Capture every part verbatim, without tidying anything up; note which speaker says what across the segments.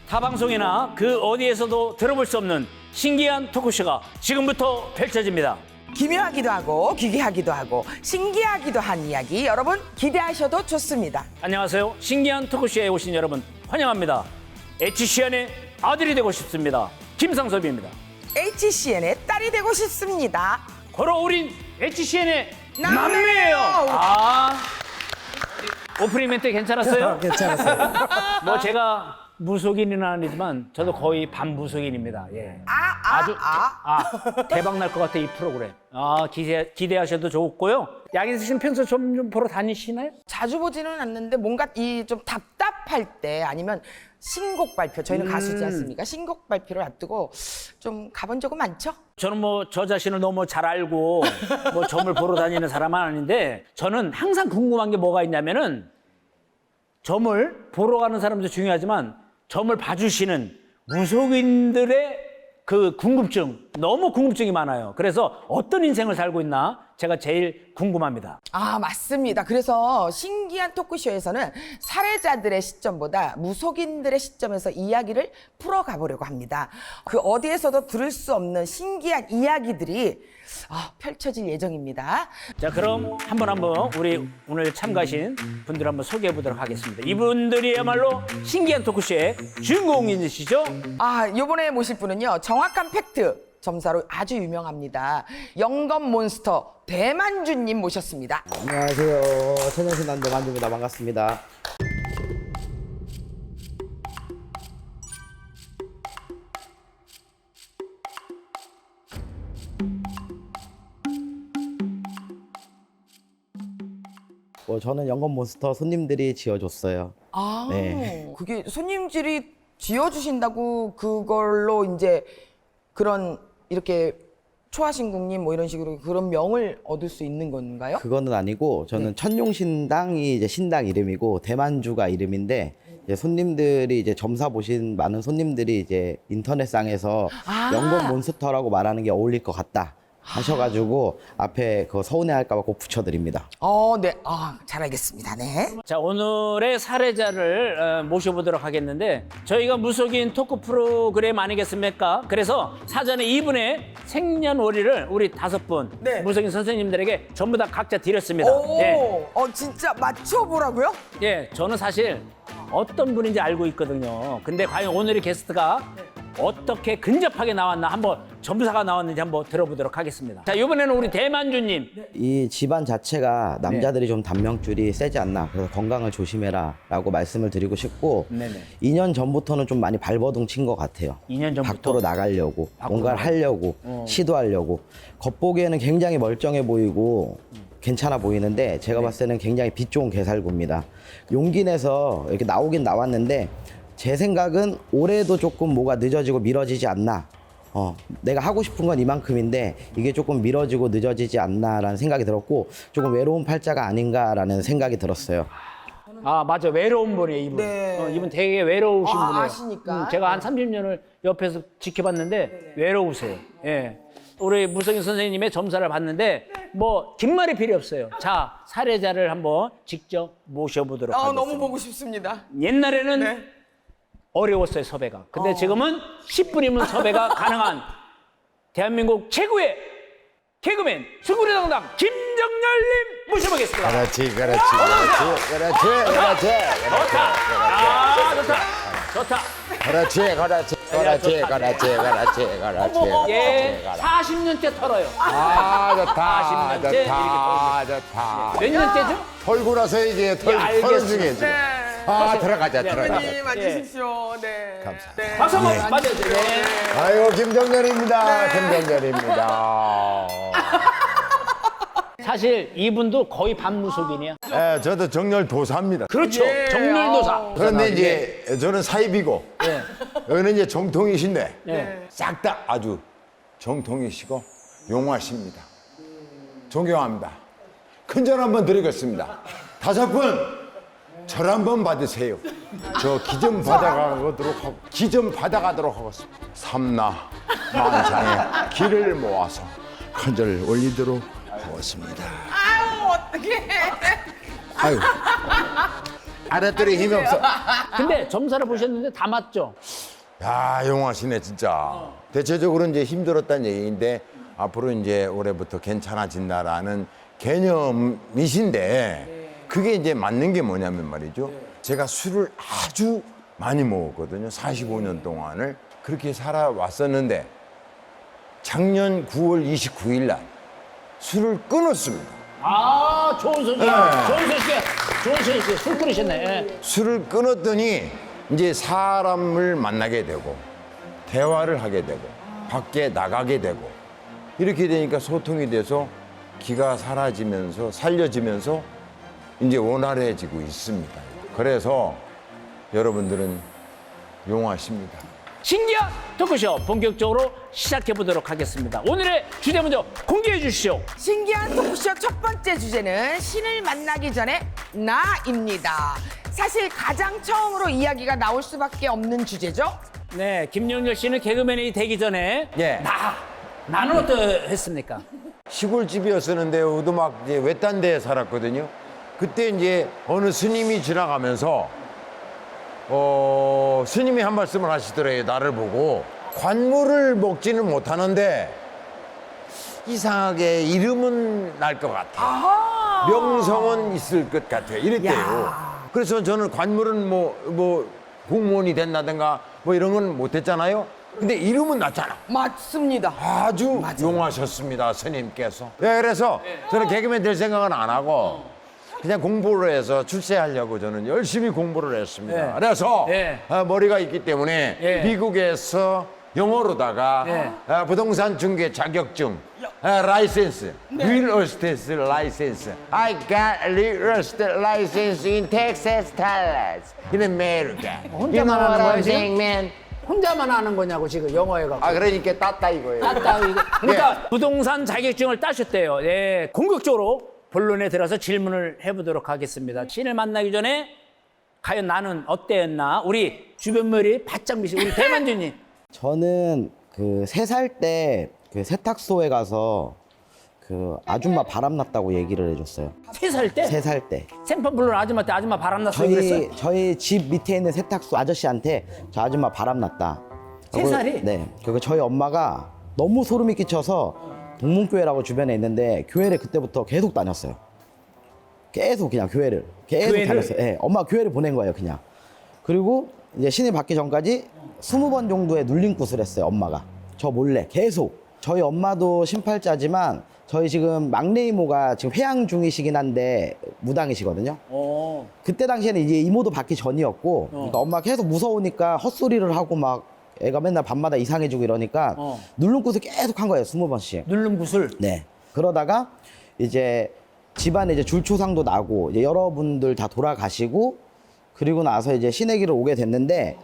Speaker 1: 타 방송이나 그 어디에서도 들어볼 수 없는 신기한 토크쇼가 지금부터 펼쳐집니다.
Speaker 2: 기묘하기도 하고 기괴하기도 하고 신기하기도 한 이야기 여러분 기대하셔도 좋습니다.
Speaker 1: 안녕하세요. 신기한 토크쇼에 오신 여러분 환영합니다. 에이치씨엔의 아들이 되고 싶습니다. 김상섭입니다.
Speaker 2: 에이치씨엔의 딸이 되고 싶습니다.
Speaker 1: 고로 우린 에이치씨엔의
Speaker 2: 남매예요.
Speaker 1: 남매예요. 아, 오프닝 멘트 괜찮았어요?
Speaker 3: 괜찮았어요.
Speaker 1: 뭐 제가 무속인은 아니지만 저도 거의 반무속인입니다. 예.
Speaker 2: 아, 아,
Speaker 1: 아주
Speaker 2: 아.
Speaker 1: 아, 대박 날 것 같아 이 프로그램. 아 기대 기대하셔도 좋고요. 양희석 씨는 평소 좀, 좀 보러 다니시나요?
Speaker 2: 자주 보지는 않는데 뭔가 이 좀 답답할 때 아니면 신곡 발표 저희는
Speaker 1: 음.
Speaker 2: 가수지 않습니까? 신곡 발표를 앞두고 좀 가본 적은 많죠?
Speaker 1: 저는 뭐 저 자신을 너무 잘 알고 뭐 점을 보러 다니는 사람은 아닌데 저는 항상 궁금한 게 뭐가 있냐면은 점을 보러 가는 사람도 중요하지만 점을 봐주시는 무속인들의 그 궁금증, 너무 궁금증이 많아요. 그래서 어떤 인생을 살고 있나 제가 제일 궁금합니다.
Speaker 2: 아, 맞습니다. 그래서 신기한 토크쇼에서는 살해자들의 시점보다 무속인들의 시점에서 이야기를 풀어가 보려고 합니다. 그 어디에서도 들을 수 없는 신기한 이야기들이 아, 펼쳐질 예정입니다.
Speaker 1: 자, 그럼 한번 한번 우리 오늘 참가하신 분들 한번 소개해 보도록 하겠습니다. 이분들이야말로 신기한 토크쇼의 주인공이시죠?
Speaker 2: 아, 이번에 모실 분은요. 정확한 팩트 점사로 아주 유명합니다. 영검 몬스터 대만주님 모셨습니다.
Speaker 3: 안녕하세요. 천연신 남대 만주입니다. 반갑습니다. 뭐 저는 연금 몬스터 손님들이 지어줬어요.
Speaker 2: 아,
Speaker 3: 네.
Speaker 2: 그게 손님들이 지어주신다고 그걸로 이제 그런 이렇게 초하신국님 뭐 이런 식으로 그런 명을 얻을 수 있는 건가요?
Speaker 3: 그거는 아니고 저는
Speaker 2: 네.
Speaker 3: 천룡신당이 이제 신당 이름이고 대만주가 이름인데 이제 손님들이 이제 점사 보신 많은 손님들이 이제 인터넷상에서
Speaker 2: 아.
Speaker 3: 연금 몬스터라고 말하는 게 어울릴 것 같다 하셔가지고 앞에 그 서운해할까봐 꼭 붙여드립니다.
Speaker 2: 어, 네. 아, 잘 알겠습니다. 네.
Speaker 1: 자, 오늘의 살해자를 어, 모셔보도록 하겠는데 저희가 무속인 토크 프로그램 아니겠습니까? 그래서 사전에 이분의 생년월일을 우리 다섯 분
Speaker 2: 네.
Speaker 1: 무속인 선생님들에게 전부 다 각자 드렸습니다.
Speaker 2: 오,
Speaker 1: 예.
Speaker 2: 어, 진짜 맞춰보라고요?
Speaker 1: 예, 저는 사실 어떤 분인지 알고 있거든요. 근데 과연 오늘의 게스트가 어떻게 근접하게 나왔나 한번 점사가 나왔는지 한번 들어보도록 하겠습니다. 자, 이번에는 우리 대만주님.
Speaker 3: 이 집안 자체가 남자들이 좀 단명줄이 세지 않나 그래서 건강을 조심해라 라고 말씀을 드리고 싶고
Speaker 1: 네네.
Speaker 3: 이 년 전부터는 좀 많이 발버둥 친 것 같아요.
Speaker 1: 이 년 전부터?
Speaker 3: 밖으로 나가려고
Speaker 1: 밖으로
Speaker 3: 뭔가를
Speaker 1: 나가-
Speaker 3: 하려고
Speaker 1: 어.
Speaker 3: 시도하려고 겉보기에는 굉장히 멀쩡해 보이고 괜찮아 보이는데 제가 봤을 때는 굉장히 빛 좋은 개살구입니다. 용기 내서 이렇게 나오긴 나왔는데 제 생각은 올해도 조금 뭐가 늦어지고 미뤄지지 않나. 어, 내가 하고 싶은 건 이만큼인데 이게 조금 미뤄지고 늦어지지 않나라는 생각이 들었고 조금 외로운 팔자가 아닌가라는 생각이 들었어요.
Speaker 1: 아, 맞아. 외로운 분이에요, 이분.
Speaker 2: 네.
Speaker 1: 어, 이분 되게 외로우신
Speaker 2: 아,
Speaker 1: 분이에요.
Speaker 2: 아시니까.
Speaker 1: 음, 제가 한 삼십 년을 옆에서 지켜봤는데 외로우세요. 예. 우리 무속인 선생님의 점사를 봤는데 뭐 긴 말이 필요 없어요. 자, 살해자를 한번 직접 모셔보도록
Speaker 2: 아,
Speaker 1: 하겠습니다.
Speaker 2: 너무 보고 싶습니다.
Speaker 1: 옛날에는
Speaker 2: 네.
Speaker 1: 어려웠어요, 섭외가. 근데
Speaker 2: 어.
Speaker 1: 지금은 십 분이면 섭외가 가능한 대한민국 최고의 개그맨 수구리당당 김정열님 모셔보겠습니다.
Speaker 4: 그렇지, 그렇지, 그렇지, 그렇지, 그렇지,
Speaker 1: 좋다. 아, 좋다. 좋다.
Speaker 4: 그렇지, 그렇지, 그렇지,
Speaker 1: 좋다.
Speaker 4: 그렇지, 그렇지, 그렇지.
Speaker 1: 예, 사십 년째 털어요.
Speaker 4: 아, 좋다,
Speaker 1: 사십 년째
Speaker 4: 좋다, 좋다.
Speaker 1: 몇 년째죠?
Speaker 4: 털고 나서 이제 털,
Speaker 1: 예,
Speaker 4: 털
Speaker 1: 알겠습니다.
Speaker 4: 중에 지금.
Speaker 2: 네.
Speaker 4: 아, 들어가자,
Speaker 1: 네,
Speaker 4: 들어가자.
Speaker 2: 대표님 앉으십시오. 네.
Speaker 4: 감사합니다.
Speaker 2: 네.
Speaker 1: 박수 한번 맞아주세요. 네.
Speaker 4: 아이고, 김정렬입니다. 김정렬입니다.
Speaker 1: 사실 이분도 거의 반무속인이야.
Speaker 4: 예, 저도 정렬 도사입니다.
Speaker 1: 그렇죠.
Speaker 2: 예.
Speaker 1: 정렬도사.
Speaker 4: 그런데 이제 저는 사입이고,
Speaker 1: 예.
Speaker 4: 여기는 이제 정통이신데,
Speaker 1: 예.
Speaker 4: 싹 다 아주 정통이시고 용하십니다. 존경합니다. 큰절 한번 드리겠습니다. 다섯 분 절 한번 받으세요. 저 기 좀 받아가도록 하고 기 좀 받아가도록 하겠습니다. 삼나 만상의 기를 모아서 큰절 올리도록 하겠습니다.
Speaker 2: 아유, 어떡해.
Speaker 4: 아유, 알았더니 힘이 없어.
Speaker 1: 근데 점사를 보셨는데 다 맞죠?
Speaker 4: 야, 용하시네 진짜. 대체적으로 이제 힘들었다는 얘기인데 앞으로 이제 올해부터 괜찮아진다라는 개념이신데 그게 이제 맞는 게 뭐냐면 말이죠. 제가 술을 아주 많이 먹었거든요. 사십오 년 동안을 그렇게 살아왔었는데 작년 구월 이십구일 날 술을 끊었습니다.
Speaker 1: 아, 좋은 소식.
Speaker 4: 네.
Speaker 1: 좋은 소식. 좋은 소식. 술 끊으셨네. 예.
Speaker 4: 술을 끊었더니 이제 사람을 만나게 되고 대화를 하게 되고 밖에 나가게 되고 이렇게 되니까 소통이 돼서 기가 사라지면서 살려지면서 이제 원활해지고 있습니다. 그래서 여러분들은 용하십니다.
Speaker 1: 신기한 토크쇼 본격적으로 시작해 보도록 하겠습니다. 오늘의 주제 먼저 공개해 주시죠.
Speaker 2: 신기한 토크쇼 첫 번째 주제는 신을 만나기 전에 나입니다. 사실 가장 처음으로 이야기가 나올 수밖에 없는 주제죠.
Speaker 1: 네, 김용렬 씨는 개그맨이 되기 전에
Speaker 4: 예.
Speaker 1: 나 나는 어떠했습니까?
Speaker 4: 시골집이었었는데 오두막 이제 외딴 데에 살았거든요. 그때 이제 어느 스님이 지나가면서 어, 스님이 한 말씀을 하시더래요. 나를 보고 관물을 먹지는 못하는데 이상하게 이름은 날 것 같아. 명성은 있을 것 같아. 이랬대요.
Speaker 2: 야.
Speaker 4: 그래서 저는 관물은 뭐, 뭐 공무원이 된다든가 뭐 이런 건 못했잖아요. 근데 이름은 났잖아.
Speaker 2: 맞습니다.
Speaker 4: 아주 용하셨습니다, 스님께서. 네, 그래서 저는 개그맨 될 생각은 안 하고 그냥 공부를 해서 출세하려고 저는 열심히 공부를 했습니다.
Speaker 1: 네.
Speaker 4: 그래서
Speaker 1: 네.
Speaker 4: 아, 머리가 있기 때문에
Speaker 1: 네.
Speaker 4: 미국에서 영어로다가
Speaker 1: 네.
Speaker 4: 아, 부동산 중개 자격증, 아, 라이센스, real estate license. I got real estate license in Texas, Dallas, in America.
Speaker 1: 혼자만
Speaker 4: You know
Speaker 1: 하는
Speaker 4: what
Speaker 1: 거야,
Speaker 4: I'm
Speaker 1: 지금?
Speaker 4: saying, man?
Speaker 1: 혼자만 하는 거냐고 지금 영어에 갖고.
Speaker 4: 아, 그러니까 따따 이거예요.
Speaker 1: 따따 이거. 그러니까 부동산 자격증을 따셨대요. 예, 공격적으로 본론에 들어서 질문을 해보도록 하겠습니다. 신을 만나기 전에 과연 나는 어때였나? 우리 주변머리 바짝 미시 우리 대만주님.
Speaker 3: 저는 그 세 살 때 그 세탁소에 가서 그 아줌마 바람났다고 얘기를 해줬어요.
Speaker 1: 세 살 때
Speaker 3: 세 살 때.
Speaker 1: 생판 불러는 아줌마 때 아줌마 바람났어요 그랬어요?
Speaker 3: 저희 저희 집 밑에 있는 세탁소 아저씨한테 저 아줌마 바람났다.
Speaker 1: 세
Speaker 3: 그리고-
Speaker 1: 살이?
Speaker 3: 네. 그리고 저희 엄마가 너무 소름이 끼쳐서 동문교회라고 주변에 있는데 교회를 그때부터 계속 다녔어요. 계속 그냥 교회를 계속
Speaker 1: 교회를?
Speaker 3: 다녔어요. 네, 엄마 교회를 보낸 거예요, 그냥. 그리고 이제 신이 받기 전까지 스무 번 정도의 눌림굿을 했어요, 엄마가. 저 몰래 계속. 저희 엄마도 신팔자지만 저희 지금 막내 이모가 지금 회양 중이시긴 한데 무당이시거든요.
Speaker 1: 어.
Speaker 3: 그때 당시에는 이제 이모도 받기 전이었고, 그러니까 엄마가 계속 무서우니까 헛소리를 하고 막 애가 맨날 밤마다 이상해지고 이러니까
Speaker 1: 어.
Speaker 3: 누름굿을 계속 한 거예요, 스무 번씩.
Speaker 1: 누른 구슬.
Speaker 3: 네. 그러다가 이제 집안에 이제 줄초상도 나고 이제 여러분들 다 돌아가시고 그리고 나서 이제 신의 길을 오게 됐는데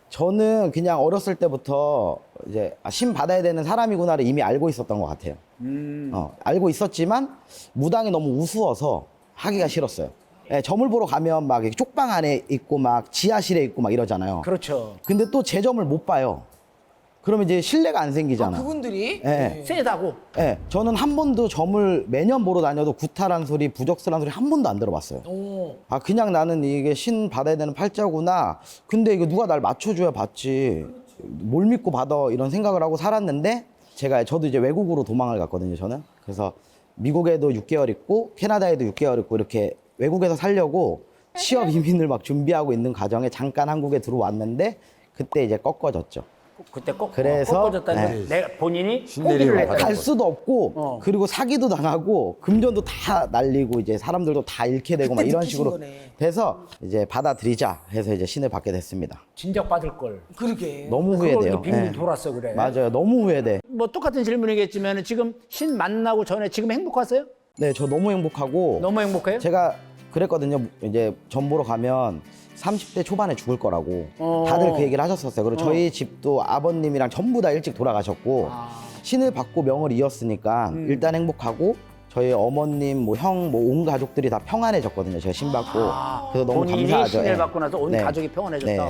Speaker 3: 저는 그냥 어렸을 때부터 이제 아, 신 받아야 되는 사람이구나를 이미 알고 있었던 것 같아요. 어, 알고 있었지만 무당이 너무 우스워서 하기가 싫었어요. 예, 점을 보러 가면 막 이렇게 쪽방 안에 있고 막 지하실에 있고 막 이러잖아요.
Speaker 1: 그렇죠.
Speaker 3: 근데 또 제 점을 못 봐요. 그러면 이제 신뢰가 안 생기잖아.
Speaker 2: 그분들이
Speaker 3: 예.
Speaker 1: 세다고.
Speaker 3: 예, 저는 한 번도 점을 매년 보러 다녀도 구타란 소리, 부적슬한 소리 한 번도 안 들어봤어요. 아, 그냥 나는 이게 신 받아야 되는 팔자구나. 근데 이거 누가 날 맞춰줘야 받지. 뭘 믿고 받아 이런 생각을 하고 살았는데 제가 저도 이제 외국으로 도망을 갔거든요, 저는. 그래서 미국에도 육 개월 있고 캐나다에도 육 개월 있고 이렇게 외국에서 살려고 취업 이민을 막 준비하고 있는 과정에 잠깐 한국에 들어왔는데 그때 이제 꺾어졌죠.
Speaker 1: 그때 꼭
Speaker 3: 그래서,
Speaker 1: 꺾어졌다는
Speaker 3: 네.
Speaker 1: 내가 본인이
Speaker 4: 신내림을
Speaker 1: 포기를 했다.
Speaker 4: 받은
Speaker 3: 갈
Speaker 4: 거죠.
Speaker 3: 수도 없고
Speaker 1: 어.
Speaker 3: 그리고 사기도 당하고 금전도 다 날리고 이제 사람들도 다 잃게 되고 막
Speaker 2: 그때
Speaker 3: 이런
Speaker 2: 느끼신
Speaker 3: 식으로
Speaker 2: 거네.
Speaker 3: 돼서 이제 받아들이자 해서 이제 신을 받게 됐습니다.
Speaker 1: 진작 받을 걸.
Speaker 2: 그러게.
Speaker 3: 너무
Speaker 1: 그걸
Speaker 3: 후회돼요.
Speaker 1: 빙빙
Speaker 3: 예.
Speaker 1: 돌았어 그래.
Speaker 3: 맞아요. 너무 후회돼.
Speaker 1: 뭐 똑같은 질문이겠지만 지금 신 만나고 전에 지금 행복하세요?
Speaker 3: 네, 저 너무 행복하고
Speaker 1: 너무 행복해요?
Speaker 3: 제가 그랬거든요. 이제 점 보러 가면 삼십 대 초반에 죽을 거라고
Speaker 1: 어.
Speaker 3: 다들 그 얘기를 하셨었어요. 그리고 저희 집도 아버님이랑 전부 다 일찍 돌아가셨고
Speaker 1: 아.
Speaker 3: 신을 받고 명을 이었으니까
Speaker 1: 음.
Speaker 3: 일단 행복하고 저희 어머님, 뭐 형, 뭐 온 가족들이 다 평안해졌거든요. 제가 신 받고
Speaker 1: 아,
Speaker 3: 그래서 너무
Speaker 1: 본인이
Speaker 3: 감사하죠.
Speaker 1: 신을
Speaker 3: 예.
Speaker 1: 받고 나서 온
Speaker 3: 네.
Speaker 1: 가족이 평안해졌다.
Speaker 3: 네.
Speaker 1: 어.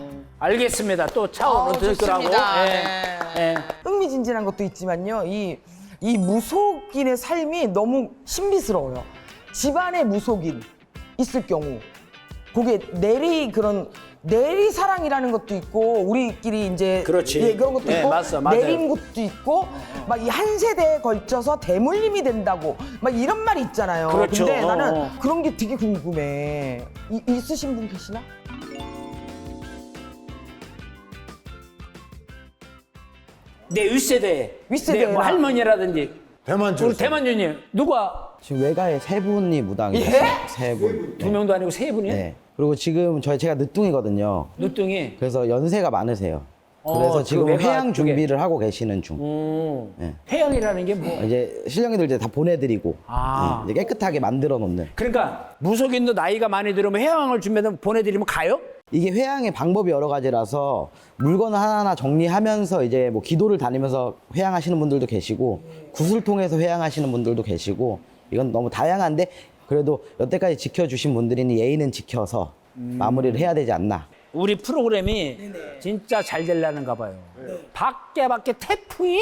Speaker 1: 알겠습니다. 또 차원으로
Speaker 2: 어,
Speaker 1: 들 거라고.
Speaker 2: 좋습니다.
Speaker 1: 예.
Speaker 2: 네.
Speaker 1: 예.
Speaker 2: 흥미진진한 것도 있지만요. 이, 이 무속인의 삶이 너무 신비스러워요. 집안에 무속인 있을 경우 그게 내리 그런 내리사랑이라는 것도 있고 우리끼리 이제
Speaker 1: 그렇지.
Speaker 2: 예, 그런 것도
Speaker 1: 네,
Speaker 2: 있고
Speaker 1: 맞어, 맞아요.
Speaker 2: 내린 것도 있고 막 이 한 세대에 걸쳐서 대물림이 된다고 막 이런 말이 있잖아요.
Speaker 1: 그렇죠.
Speaker 2: 근데 나는
Speaker 1: 어.
Speaker 2: 그런 게 되게 궁금해. 이, 있으신 분 계시나?
Speaker 1: 내 윗세대,
Speaker 2: 윗세대나.
Speaker 1: 내 뭐 할머니라든지
Speaker 4: 대만주.
Speaker 1: 우리 대만주님 누가
Speaker 3: 지금 외가에 세 분이 무당이
Speaker 2: 예?
Speaker 3: 있어요. 세 분.
Speaker 1: 두 명도 아니고 세 분이야?
Speaker 3: 네. 그리고 지금 저희 제가 늦둥이거든요.
Speaker 1: 누뚱이.
Speaker 3: 그래서 연세가 많으세요.
Speaker 1: 어,
Speaker 3: 그래서
Speaker 1: 그
Speaker 3: 지금
Speaker 1: 외가
Speaker 3: 회양
Speaker 1: 쪽에.
Speaker 3: 준비를 하고 계시는 중.
Speaker 1: 음.
Speaker 3: 네.
Speaker 1: 회양이라는 게 뭐?
Speaker 3: 이제 신령이들 이제 다 보내드리고
Speaker 1: 아.
Speaker 3: 네, 이제 깨끗하게 만들어 놓는.
Speaker 1: 그러니까 무속인도 나이가 많이 들으면 회양을 준비해서 보내드리면 가요?
Speaker 3: 이게 회양의 방법이 여러 가지라서 물건을 하나하나 정리하면서 이제 뭐 기도를 다니면서 회양하시는 분들도 계시고 굿을 통해서 회양하시는 분들도 계시고 이건 너무 다양한데 그래도 여태까지 지켜주신 분들이니 예의는 지켜서 마무리를 해야 되지 않나.
Speaker 1: 우리 프로그램이 진짜 잘 되려는가 봐요. 밖에 밖에 태풍이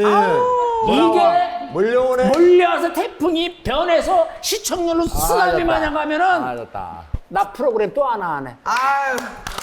Speaker 1: 이게
Speaker 4: 몰려오네.
Speaker 1: 몰려와서 태풍이 변해서 시청률로 쓰나미
Speaker 3: 알았다.
Speaker 1: 마냥 가면은
Speaker 3: 알았다.
Speaker 1: 나 프로그램 또 하나 하네.
Speaker 2: 아유.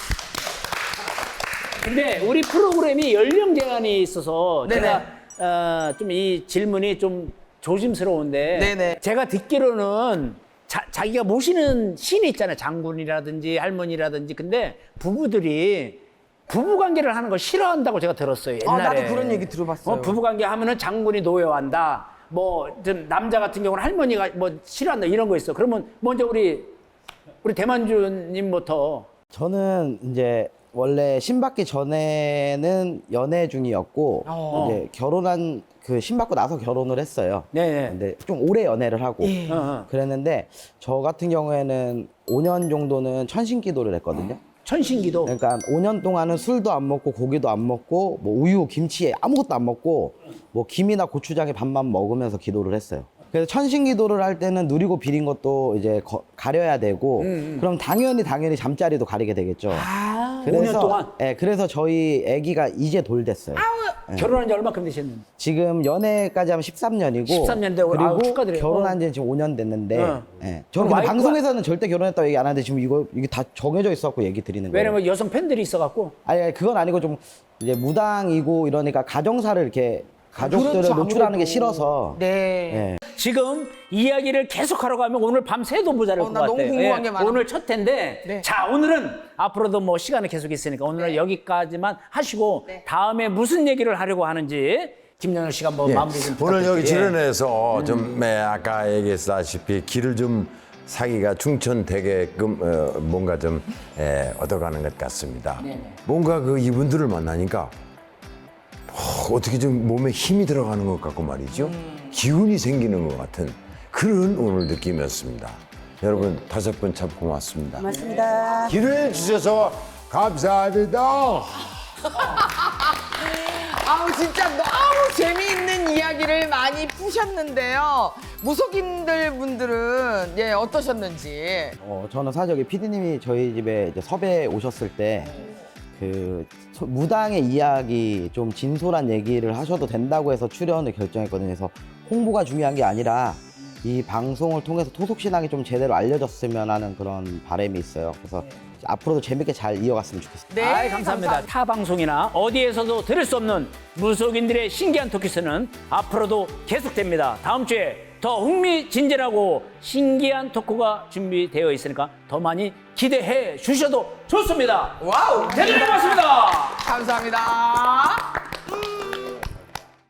Speaker 1: 근데 우리 프로그램이 연령 제한이 있어서
Speaker 2: 네네.
Speaker 1: 제가 어, 좀 이 질문이 좀 조심스러운데
Speaker 2: 네네.
Speaker 1: 제가 듣기로는 자, 자기가 모시는 신이 있잖아요. 장군이라든지 할머니라든지. 근데 부부들이 부부 관계를 하는 걸 싫어한다고 제가 들었어요.
Speaker 2: 아,
Speaker 1: 옛날에.
Speaker 2: 나도 그런 얘기 들어봤어요.
Speaker 1: 어, 부부 관계 하면은 장군이 노여한다. 뭐 좀 남자 같은 경우는 할머니가 뭐 싫어한다 이런 거 있어. 그러면 먼저 우리 우리 대만주님부터.
Speaker 3: 저는 이제 원래 신받기 전에는 연애 중이었고
Speaker 2: 어.
Speaker 3: 이제 결혼한 그 신받고 나서 결혼을 했어요.
Speaker 1: 네네.
Speaker 3: 근데 좀 오래 연애를 하고
Speaker 2: 예.
Speaker 1: 어, 어.
Speaker 3: 그랬는데 저 같은 경우에는 오 년 정도는 천신기도를 했거든요.
Speaker 1: 천신기도.
Speaker 3: 그러니까 오 년 동안은 술도 안 먹고 고기도 안 먹고 뭐 우유, 김치 아무것도 안 먹고 뭐 김이나 고추장에 밥만 먹으면서 기도를 했어요. 그래서 천신기도를 할 때는 누리고 비린 것도 이제 거- 가려야 되고 그럼 당연히 당연히 잠자리도 가리게 되겠죠.
Speaker 1: 아, 오 년 동안
Speaker 3: 예, 그래서 저희 아기가 이제 돌 됐어요.
Speaker 1: 결혼한 지 얼마큼 되셨는데?
Speaker 3: 지금 연애까지 하면 십삼 년이고
Speaker 1: 십삼 년대
Speaker 3: 그리고
Speaker 1: 아우, 축하드려요.
Speaker 3: 결혼한 지는 지금 오 년 됐는데
Speaker 1: 어.
Speaker 3: 예. 저는 근데
Speaker 1: 와이프가-
Speaker 3: 방송에서는 절대 결혼했다고 얘기 안 하는데 지금 이거 이게 다 정해져 있었고 얘기 드리는 거예요.
Speaker 1: 왜냐면 여성 팬들이 있어갖고.
Speaker 3: 아니, 아니 그건 아니고 좀 이제 무당이고 이러니까 가정사를 이렇게 가족들을
Speaker 2: 그렇죠,
Speaker 3: 노출하는 게
Speaker 2: 아무래도.
Speaker 3: 싫어서
Speaker 2: 네.
Speaker 3: 예.
Speaker 1: 지금 이야기를 계속하러 가면 오늘 밤 새도 모자랄
Speaker 2: 어,
Speaker 1: 것
Speaker 2: 나
Speaker 1: 같아요.
Speaker 2: 너무 궁금한 게 많아.
Speaker 1: 오늘 첫 텐데
Speaker 2: 네.
Speaker 1: 자 오늘은 앞으로도 뭐 시간이 계속 있으니까 오늘은 여기까지만 하시고 다음에 무슨 얘기를 하려고 하는지 김영열 씨가 뭐
Speaker 4: 예.
Speaker 1: 마무리 좀
Speaker 4: 오늘 여기
Speaker 1: 부탁드릴게요.
Speaker 4: 출연해서 좀 네, 아까 얘기했다시피 길을 좀 사기가 충천되게끔 어, 뭔가 좀 에, 얻어가는 것 같습니다. 뭔가 그 이분들을 만나니까 어, 어떻게 좀 몸에 힘이 들어가는 것 같고 말이죠. 기운이 생기는 것 같은 그런 오늘 느낌이었습니다. 여러분 다섯 분 참 고맙습니다.
Speaker 5: 고맙습니다.
Speaker 4: 기회해 주셔서 감사합니다.
Speaker 2: 아우 진짜 너무 재미있는 이야기를 많이 푸셨는데요. 무속인들 분들은 예 어떠셨는지.
Speaker 3: 어, 저는 사실 여기 피디님이 저희 집에 이제 섭외 오셨을 때 그 무당의 이야기 좀 진솔한 얘기를 하셔도 된다고 해서 출연을 결정했거든요. 그래서 홍보가 중요한 게 아니라 이 방송을 통해서 토속신앙이 좀 제대로 알려졌으면 하는 그런 바람이 있어요. 그래서 앞으로도 재밌게 잘 이어갔으면 좋겠습니다.
Speaker 2: 네,
Speaker 1: 아이, 감사합니다. 타 방송이나 어디에서도 들을 수 없는 무속인들의 신기한 토크스는 앞으로도 계속됩니다. 다음 주에 더 흥미진진하고 신기한 토크가 준비되어 있으니까 더 많이 기대해 주셔도 좋습니다.
Speaker 2: 와우.
Speaker 1: 대단히 고맙습니다.
Speaker 2: 감사합니다.